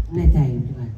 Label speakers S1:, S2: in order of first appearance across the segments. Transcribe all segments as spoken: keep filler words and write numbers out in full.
S1: แน่ใจใช่ไหม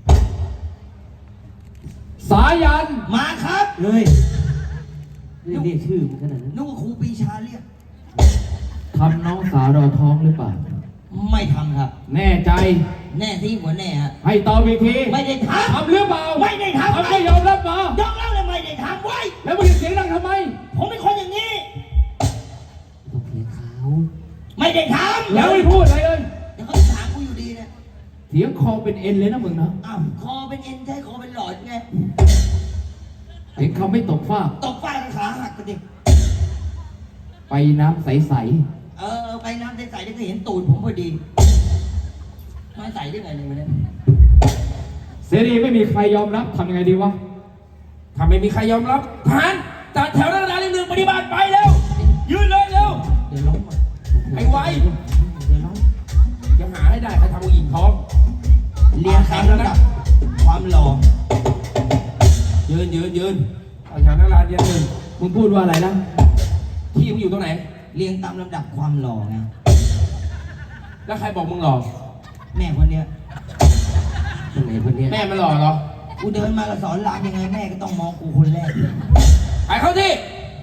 S2: สายัน
S3: มาครับ
S1: เฮ้ยเรียกเรียกชื่อมันขนาดนั้น
S3: นึกว่าครูปีชาเรียก
S2: ทำน้องสาวเราท้องหรือเปล่า
S3: ไม่ทำครับ
S2: แน่ใจ
S3: แน่ที่หัวแน่ฮะ
S2: ให้ตอบอีกที
S3: ไม่ได้ทำ
S2: ทำหรือเปล่า
S3: ไม่ได้ทำ
S2: ทำไม่ยอมรับมาย
S3: อมรับเลยไม่ได้ทำไว้
S2: แล้วมึงเสียงดังทำไม
S3: ผมเป็นคนอย่างนี้
S1: ต้องเสียเขา
S3: ไม่ได้ทำ
S2: แล้วไม่พูดอะไรเลย
S3: เดี๋ยวเขาถามกูอยู่ดีเนี่ย
S2: เสียงคอเป็นเอ็นเลยนะมึงนะ
S3: อ้าวคอเป็นเอ็นใช่คอเป็นหลอดไง
S2: เสียงเขาไม่ตกฟ้า
S3: ตกฟ้าขาหักกันดิ
S2: ไปน้ำใส
S3: ๆเออไปน้ำใสๆได้ก็เห็นตูดผมพอดีไม่ใส่ได้ไงเลยวันนี้
S2: เสรีไม่มีใครยอมรับทำยังไงดีวะถ้าไม่มีใครยอมรับทหารจัดแถวหน้ากระดานหนึ่งปฏิบัติไปเร็วยืนเลยเร็ว
S3: เดี๋ยวล้ม
S2: ไอ้ไวเดี๋ยวล้มจะหาให้ได้ใครทำผู้หญิงท้อง
S3: เรียงตามระดับความหล่อ
S2: ยืนยืนยืนเอาแถวหน้ากระดานยืนหนึ่งมึงพูดว่าอะไรนะที่มึงอยู่ตรงไหน
S3: เรียงตามลำดับความหล่อไง
S2: แล้วใครบอกมึงหล่อ
S3: แม่คนเนี้ย
S1: คนไหนคนเนี้ย
S2: แม่มันหล่อเหรอ
S3: กูเดินมาก็สอนหลานยังไงแม่ก็ต้องมองกูคนแรก
S2: ไปเข้าที่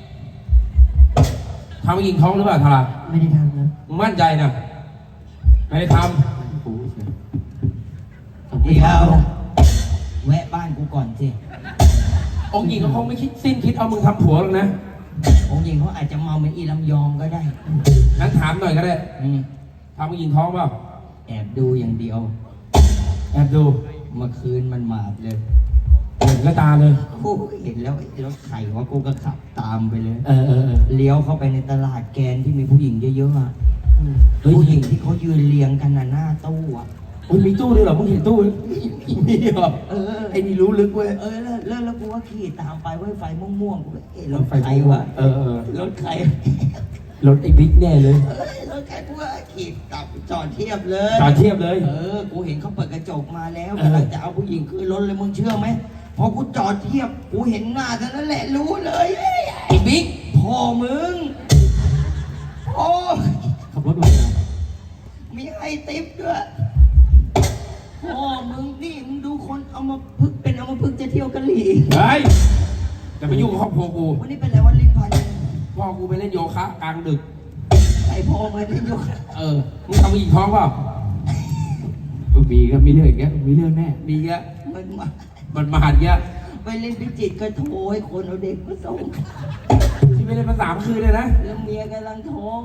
S2: ทำผู้หญิงท้องหรือเปล่าทารา
S1: ไม่ได้ทำนะ
S2: มึงมั่นใจนะไม่ได้ท
S1: ำกูเฉย
S3: เดี๋ยวแวะบ้านกูก่อนสิ
S2: องค์หญิงเขาคงไม่คิดสิ้นคิดเอามึงทำผัวหรอกนะ
S3: องค์หญิงเขาอาจจะเมาเป็นอีลำยองก็ได้
S2: งั้นถามหน่อยก็ได้ทำผู้หญิงท้องเปล่า
S3: แอบดูอย่างเดียว
S2: แอบดู
S3: เมื่อคืนมันมาดเลย
S2: เห็นก็ตาเลย
S3: กูเห็นแล้วรถไข่ว่ากูก็ขับตามไปเลย
S2: เออเออ
S3: เลี้ยวเข้าไปในตลาดแกนที่มีผู้หญิงเยอะๆอ่ะผู้หญิงที่เขายืนเรียงกันหน้าตู้อ่ะ
S2: โอ้ยมีตู้ด้วยเหรอมึงเห็นตู้มีเหรอ
S3: เออ
S2: ไอ้นี่รู้ลึกเว้ย
S3: เออแล้วแล้วแล้วกูว่าขี่ตามไปเว้ยไฟม่วงๆกูเลยเอ๊ะรถใครวะ
S2: เออเออ
S3: รถใคร
S2: รถไอ้บิ๊กแน่เลย
S3: เออรถใครกูว่าขี่ตับจอดเทียบเลย
S2: จอดเทียบเลย
S3: เออกูเห็นเขาเปิดกระจกมาแล้วกำลังจะเอาผู้หญิงขึ้นรถเลยมึงเชื่อไหมพอกูจอดเทียบกูเห็นหน้าเท่านั้นแหละรู้เลย
S2: ไอ้บิ๊ก
S3: พ่อมึงโอ้
S2: ขับรถมา
S3: มีให้ติ๊บด้วยพ่อมึงนี่มึงดูคนเอามาพึกเป็นเอามาพึกจะเที่ยวกะหรี่
S2: เฮ้ยจะไปยุ่งกับครอบครัวกู
S3: วันนี้เป็นอะไรวันลิ้นพัน
S2: พ่อกูไปเล่นโยคะกลางดึก
S3: ไอพ่อมาเล่นโยคะ
S2: เออมึงทำผู้หญิงท้องเปล่ามีก็มีเรื่องอย่างเงี้ยมีเรื่องแน่มีเงี้ย
S3: มันมา
S2: มันมาหันเงี้ย
S3: ไปเล่นพิจิตรก็โทรให้คนเอาเด็กมาส่ง
S2: ที่ไม่ได้มาสามคืนเลยนะ
S3: แล้วเมียกำลังท้อง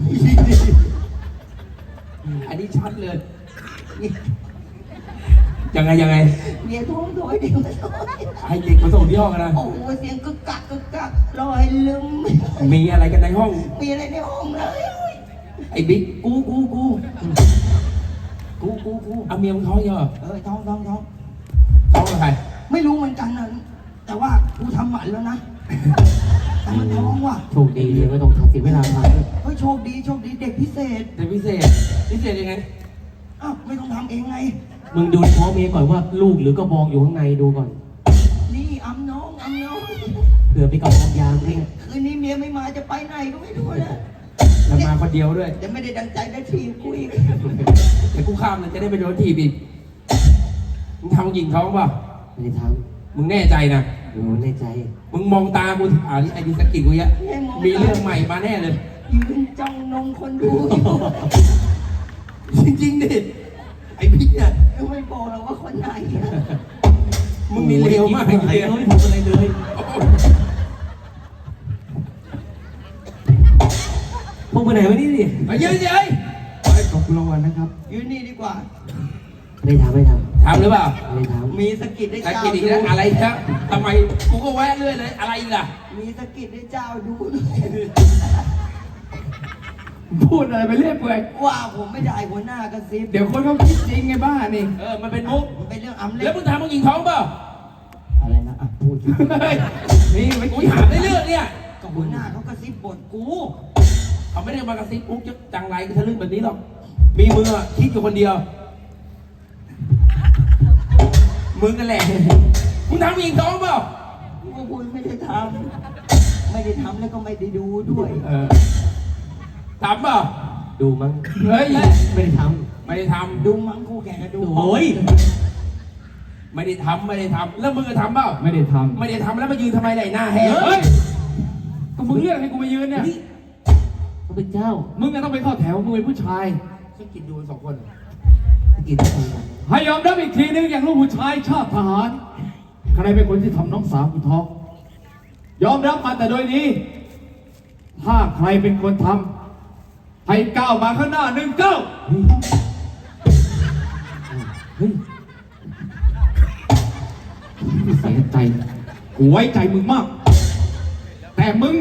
S2: อันนี้ชัดเลยยังไงยังไง
S3: เมียท้องโดยเด็กมาส่ง
S2: ให้เด็กมาส่งที่ห้องนะ
S3: โอ้เสียงกึกกักกึกกักลอยลืม
S2: มีอะไรกันในห้อง
S3: มีอะไรในห้องเลย
S2: ไอ้บิ๊ก
S3: กูกูกูกูกูกู
S2: เอาเมียมึงท้องเยอะ
S3: เออท้องท้องท้อง
S2: ท้องกับใคร
S3: ไม่รู้เหมือนกันนะแต่ว่ากูทำหมันแล้วนะแต่มันท้องว่ะ
S1: โชคดีเลยไม่ต้องทำเสียเวลาทำ
S3: เฮ้ยโชคดีโชคดีเด็กพิเศษ
S2: เด็กพิเศษพิเศษยังไง
S3: อ้าวไม่ต้องทำเองไง
S1: มึงดูท้องเมียก่อนว่าลูกหรือกระบองอยู่ข้างในดูก่อน
S3: นี่อ้ำน้องอ้ำน้อง
S1: เผื่อไปกระบองยามนี่
S3: คืนนี้เมียไม่มาจะไปไหนก็ไม่รู้นะ
S2: แล้วมาคนเดียวด้วย
S3: จะไม่ได้ดังใจได้ทีกูอีก
S2: แต่กูข้ามเลยจะได้ไปโดนทีอีกมึงทำผู้หญิงท้องป่ะ
S1: ไม่ได้ทำ
S2: มึงแน่ใจนะ
S1: โอ้แน่ใจ
S2: มึงมองตากูอ่านี่ไอ้ดิสกิลกูเยอะมีเรื่องใหม่มาแน่เลย
S3: ยืนจ้องนมคนดู
S2: จริงๆดิไอ้พี่เนี่ย
S3: ไม่บอกเราว่าคนไหน
S2: มึงมีเร็วมากเลย
S1: ไม่ทำอะไรเลยพวกไปไหนวะนี่ดิ
S2: ไปยืนเฉย
S1: ขอบคุณรางวัลนะครับ
S3: ยืนนี่ดีกว่า
S1: ไม่ทำไม่ทำ
S2: ทำหรือเปล่า
S1: ไม่ทำ
S3: มีสกิดได้
S2: เจ้าดูอะไรครับทำไมกูก็แวะเรื่อยเลยอะไรอีกล่ะ
S3: มีสกิดได้เจ้าดู
S2: พูดอะไรไปเรื่อยเปื่อย
S3: ว่าผมไม่ได้หัวหน้ากระซิบ
S2: เดี๋ยวคนเขาคิดจริงไงบ้านี่เออมันเป็นมุก
S3: มันเป็นเรื่องอำเล่
S2: แล้วมึงทำมึงยิงท้องเปล่า
S3: อะไรนะอ่ะพูด
S2: นี่ไม่กูถามได้เรื่องเนี่ย
S3: ก็หัวหน้าเขากระซิบบ่นกู
S2: เขาไม่ได้มากระซิบปุ๊บจะจังไรกันทะลึ่งแบบนี้หรอกมีมือคิดอยู่คนเดียวมึงกันแหละมึงทำยิงท้องเปล่า
S3: กูพูดไม่ได้ทำไม่ได้ทำแล้วก็ไม่ได้ดูด้วย
S2: ทำเปล่า
S1: ดูมั้ง
S2: เฮ้ย
S1: ไม่ได้ท
S2: ำไม่ได้ท
S3: ดูมังคู่แข่งกันดู
S1: โอ้ย
S2: ำไม่ได้ทำไม่ได้ทำแล้วมึงจะทำเปล่า
S4: ไม่ได้ท
S2: ไม่ได้ทำแล้วมายืนทำไมไหนหน้าแห้ง
S4: ำเฮ้ยก็มึงเรียกให้กูมายืนเนี่ย
S1: พระเป็นเจ้า
S4: มึงก็ต้องไปเข้าแถว มึงเป็นผู้ชาย
S2: ฉันกินดูสองคน
S1: กินอะไรกัน
S4: ให้ยอมรับอีกทีนึงอย่างลูกผู้ชายชาติทหาร ใครเป็นคนที่ทำน้องสาวกูท้องยอมรับมาแต่โดยนี้ ถ้าใครเป็นคนทำให้ก้าวมาข้างหน้าหนึ่งก้าว
S1: เฮ้ย
S4: เสียใจ กูไว้ใจมึงมาก แต่มึง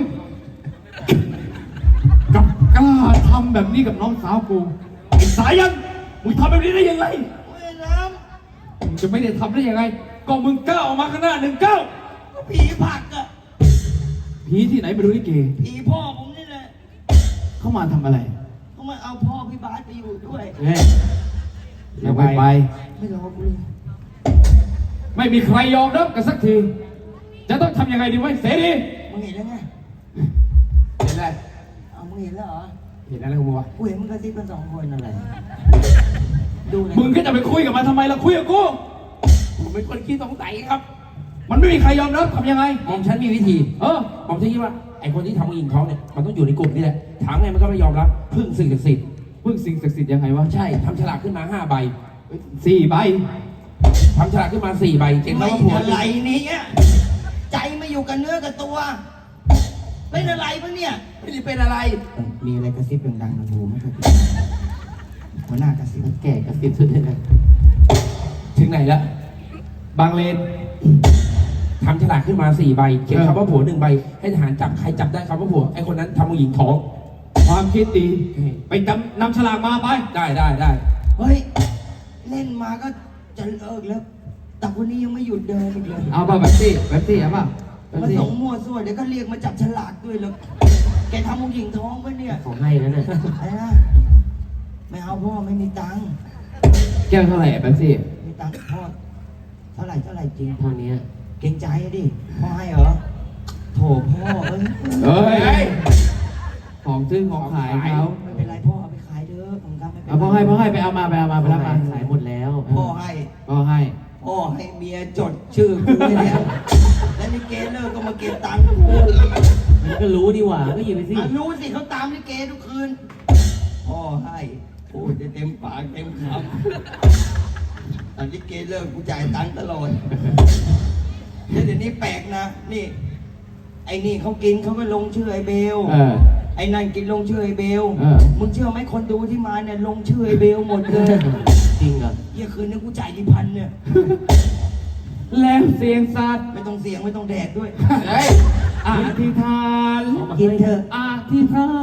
S4: กลับกล้าทำแบบนี้กับน้องสาวกูไอ้สายัน มึงทำแบบนี้ได้ยังไง
S3: เว้ยน้
S4: มึงจะไม่ได้ทำได้ยังไง ก็มึงก้าวออกมาข้างหน้าหนึ่งก้าว
S3: ำก็ผีผลักอะ
S4: ผีที่ไหนไม่รู้นี่เก
S3: ผีพ่อผมนี่แหละ
S4: เข้ามาทำอะไร
S3: เขามาเอาพ่อพี่บาสไปอยู่ด้วย
S1: เฮ้ย
S4: อย่าไปไป
S3: ไม่รอกูเลย
S4: ไม่มีใครยอมรับกันสักที จะต้องทำยังไงดีวะเสรี
S3: มึงเห็นแล้วไง
S2: เห็นอะไร
S3: เอามึงเห็นแล้วเหรอ
S2: เห็นอะไรของมึงวะ
S3: กูเห็นมึงกระซิบกันสองคนอะไรดูเลย
S4: มึงก็จะไปคุยกับมันทำไมล่ะคุยกับกู
S2: ผมเป็นคนขี้สงสัยครับ
S4: มันไม่มีใครยอมรับทำยังไง
S2: มองฉันมีวิธี
S4: เออ
S2: ผมจะคิดว่าไอ้คนที่ทำผู้หญิงท้องเนี่ยมันต้องอยู่ในกลุ่มนี่แหละถามไงมันก็ไม่ยอมรับพึ่งสิ่งศักดิ์สิทธิ์
S4: พึ่งสิ่งศักดิ์สิทธิ์ยังไงวะ
S2: ใช่ทำฉลากขึ้นมาห้าใบ
S4: สี่ใบ
S2: ทำฉลากขึ้นมาสี่ใบเก่ง
S3: ไม่
S2: แล้วว่าผัว
S3: อะไรนี้อะใจไม่อยู่กับเนื้อกับตัว เป็นอะไรปะเนี่ย
S2: ไม่ได้เป็นอะไร
S3: มีอะไรกระซิบดังๆในหูไหมครับหัวหน้ากระซิบ
S1: แก่กับสิบสุดเลยนะ
S2: ถึงไหนแล้ว
S4: บางเลน
S2: ทำฉลากขึ้นมาสี่ใบเขียนคำว่าผัวหนึ่งใบให้ทหารจับใครจับได้คำว่าผัวไอ้คนนั้นทำผู้หญิงท้อง
S4: ความคิดดี ไปจำนำฉลากมาไป
S2: ได้ได้ได้
S3: เฮ้ย เล่นมาก็จะเลิกแล้ว แต่วันนี้ยังไม่หยุดเดินอีกเลย
S4: เอาป่ะแบบซี่แบบซี่เอาป่ะแบบ
S3: มา
S4: ซี่
S3: ส่งมั่วซั่วเดี๋ยวก็เรียกมาจับฉลากด้วยแล้ว แกทำผู้หญิงท้องปะเนี่ย
S1: ของให้แล้วน่ะ
S3: อะไรนะไม่เอาพ่อไม่มีตังค์
S4: แก้วเท่าไหร่แบบซี่
S3: มีตังค์พ่อเท่าไหร่เท่าไหร่จริง
S1: เท่านี้
S3: เกรงใจอะดิพ่อให้เหรอโถพ่อเอ้ย
S4: เฮ้ย ของซื้อของขายเขา
S3: ไม่เป็นไรพ่อเอาไปขายเถอะผมทำไม่เป็นไร
S4: เอาพ่อให้พ่อให้ไปเอามาไปเอามาไปรับมา
S1: ขายหมดแล้ว
S3: พ่อให้
S4: พ่อให้
S3: พ่อให้เมียจดชื่อกูไว้แล้วแล้วลิเกเลิกก็มาเก็บตังค์กู
S1: มันก็รู้ดีหว่าก็หยิบไปสิ
S3: อ่ะรู้สิเขาตามลิเกทุกคืนพ่อให้พูดได้เต็มปากเต็มคำตอนลิเกเลิกกูจ่ายตังค์ตลอดแล้วเดี๋ยวนี้แปลกนะนี่ ไอ้นี่เขากินเขาก็ลงชื่อไอ้เบล
S4: เออ
S3: ไอ้นั่นกินลงชื่อไอ้เบล
S4: เออ
S3: มึงเชื่อไหมคนดูที่มาเนี่ยลงชื่อไอ้เบลหมดเลย
S1: จริงเหรอ
S3: เยี่ยคืนนี้กูจ่ายกี่พันเนี่ย
S4: แล้วเสียงสัตว์
S3: ไม่ต้องเสียงไม่ต้องแดดด้วย
S2: เฮ้ย
S4: อธิษฐาน
S3: กินเถอะ
S4: อธิษฐาน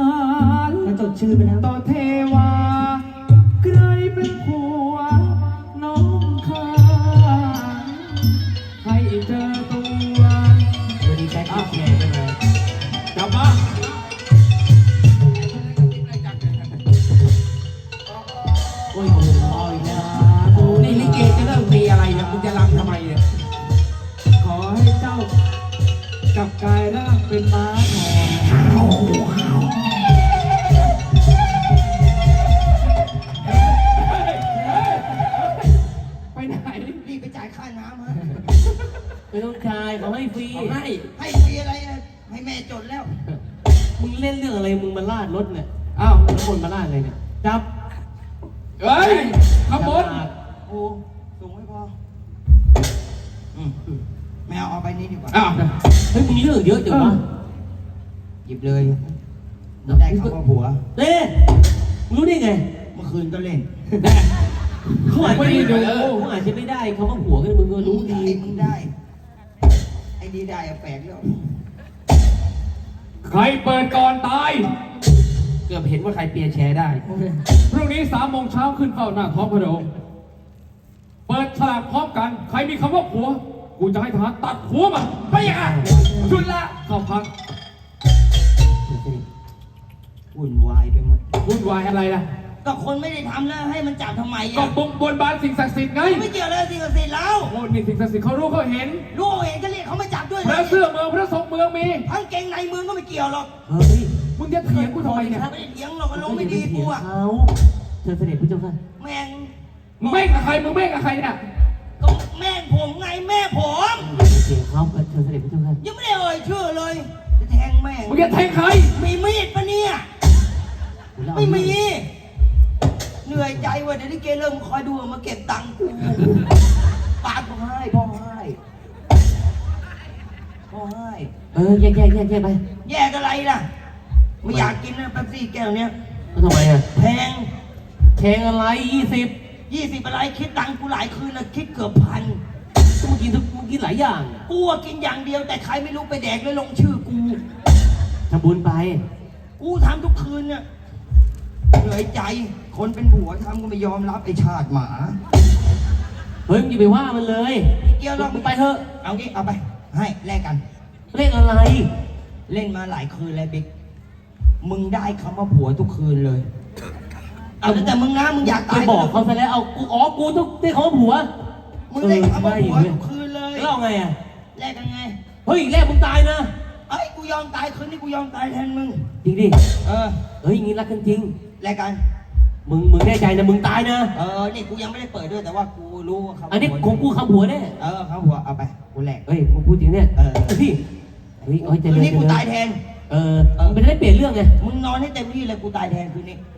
S3: มาจดชื่อไปแล้ว
S4: ต่อเทวาใครเป็นผัวน้องข้าให้เจอตัว
S1: วันนี้แจ็คกินแชร์กันมาก
S4: ลับมา
S1: โอ้ยโอ้โหเอาอีกแล้วโอ้ย
S2: นี่ลิเกจะเริ่มมีอะไรเนี่ยมึงจะรำทำไมเนี่ย
S4: ขอให้เจ้ากลับกายร่างเป็นม้าทองไปไหน
S3: รีบไปจ่ายค่าน้ำฮะ
S1: ไม่ต้องจ่ายเขาให้ฟรี
S2: เอาให้
S3: ให้ฟรีอะไรอะให้แม่จดแล้ว
S1: มึงเล่นเรื่องอะไรมึงมาลาดรถเนี่ย
S4: อ้าว
S1: แล้วคนมาลาดอะไรเนี่ยจับ
S4: เฮ้ยขบวน
S3: โอ้สูงไม่พออืมไม่เอาเอาไปนี้ดีกว่า
S4: อ้าว
S1: เฮ้ยมึงเรื่องเยอะจังวะ
S3: หยิบเลยได้คำว่าผัว
S1: เต้มึงรู้ได้ไง
S3: เมื่อคืนก็เล่น
S1: เขาอาจ
S4: ไม่
S1: จะ
S4: ได้ดู
S1: เขาอาจจะไม่ได้เขาก็ผัวกันมึงก็รู้
S3: ได้
S1: ดี
S3: มึงได้ ไอ้ดีได้อะแปลกแล้ว
S4: ใครเปิดก่อนตาย
S2: เกือบเห็นว่าใครเปียร์แชร์ได้
S4: พรุ่งนี้สามโมงเช้าขึ้นเฝ้าหน้าท้องพระโรงเปิดฉลากพร้อมกัน ใครมีคำว่าผัว กูจะให้ทหารตัดหัวมันไปยังไงชุดละเข้าพัก
S3: วุ่นวายไปหมด
S4: วุ่นวายอะไรล่ะ
S3: ก็คนไม่ได้ทำแล้วให้มันจับทำไม
S4: ก็
S3: อ่ะ
S4: บงบนบานสิ่งศักดิ์สิทธิ์ไง
S3: ไม่เกี่ยวเลยสิ่งศักดิ์สิทธิ์แล้ว
S4: โอ้นี่สิ่งศักดิ์สิทธิ์เขารู้เขาเห็น
S3: รู้เห็นก็เรียกเขามาจับด้วย
S4: พระเสื้อเมืองพระทรงเมืองมี
S3: ทั้งเกงในมือก็ไม่เกี่ยวหรอก
S1: เฮ้ย
S4: มึงจะเถียงกูทำไมเนี่ย
S3: ไม่ได้เถียงหรอกอารมณ์ไม่ดีกูอ่ะ
S1: เขาชิญเสด็จพระเจ้าค่ะ
S3: แม่ง
S4: มึงแม่งกับใครมึงแม่งกับใครเนี่ย
S3: ก็แม่งผมไงแม่ผม
S1: เสียงเขาเชิญเสด็จพระเจ้าค่ะ
S3: ยังไม่ได้เอ่ยชื่อเลยจะแทงแม่ง
S4: มึงจะแทงใคร
S3: มีมีดปะเนี่ย
S1: แล้วเอา
S3: ไม่มีเหนื่อยใจว่ะเดี๋ยวนี้เกเริ่มคอยดูมาเก็บตังค์กูปากพ่อให้พ่อให้พ่อให้
S1: เออแยกแยกแยกแยกไป
S3: แยกอะไรล่ะไม่อยากกินนะแป๊บซี่แก้วเนี้ย
S1: แล้วทำไมอ่ะ
S3: แพง
S1: แทงอะไรยี่สิบ
S3: ยี่สิบอะไรคิดตังค์กูหลายคืนนะคิดเกือบพัน
S1: ก็มึงกินทุกมึงกินหลายอย่าง
S3: กูอะกินอย่างเดียวแต่ใครไม่รู้ไปแดกแล้วลงชื่อกู
S1: ทำบุญไป
S3: กูทำทุกคืนเนี่ยเหนื่อยใจคนเป็นผัวทำก็ไม่ยอมรับไอ้ชาติหมา
S1: เฮ้ยมึงอย่าไปว่ามันเลย
S3: เกี่ยวหรอก
S1: มึงไปเถอะ
S3: เอางี้เอาไป ให้แลกกัน
S1: เล่นอะไร
S3: เล่นมาหลายคืนแล้วบิ๊กมึงได้คำว่าผัวทุกคืนเลย เอาแต่มึงนะมึงอยาก
S1: ไป
S3: ตาย
S1: บอกเขาซะแล้วเอากูอ๋อกูทุกที่เขาผัว
S3: มึงได้คำว่าผัว
S1: เออไม่
S3: ทุกคืนเลย
S1: แล้วเอาไงอ่ะ
S3: แลกกันไง
S1: เฮ้ยแรกมึงตายนะ
S3: เอ้ยกูยอมตายคืนนี้กูยอมตายแทนมึง
S1: จริงดิ
S3: เออ
S1: เฮ้ยอย่างงี้รักกันจริง
S3: แลกกัน
S1: มึงมึงแน่ใจนะมึงตายนะ
S3: เออนี่กูยังไม่ได้เปิดด้วยแต่ว่ากูรู้ว่าเขา
S1: อันนี้ของกูคำผัวแน่
S3: เออเขาผัวเอาไปกูแลก
S1: เฮ้ยมึงพูดจริงเนี่ย
S3: เออ
S1: พี่เฮ้ยเฮ้ยเจ
S3: คื
S1: ริ
S3: น
S1: ญ
S3: นี้
S1: เจ
S3: กู
S1: ริญ
S3: ตายแทน
S1: เออมันจะได้เปลี่ยนเรื่องไง
S3: มึงนอนให้เต็มที่เลยกูตายแทนคืนนี้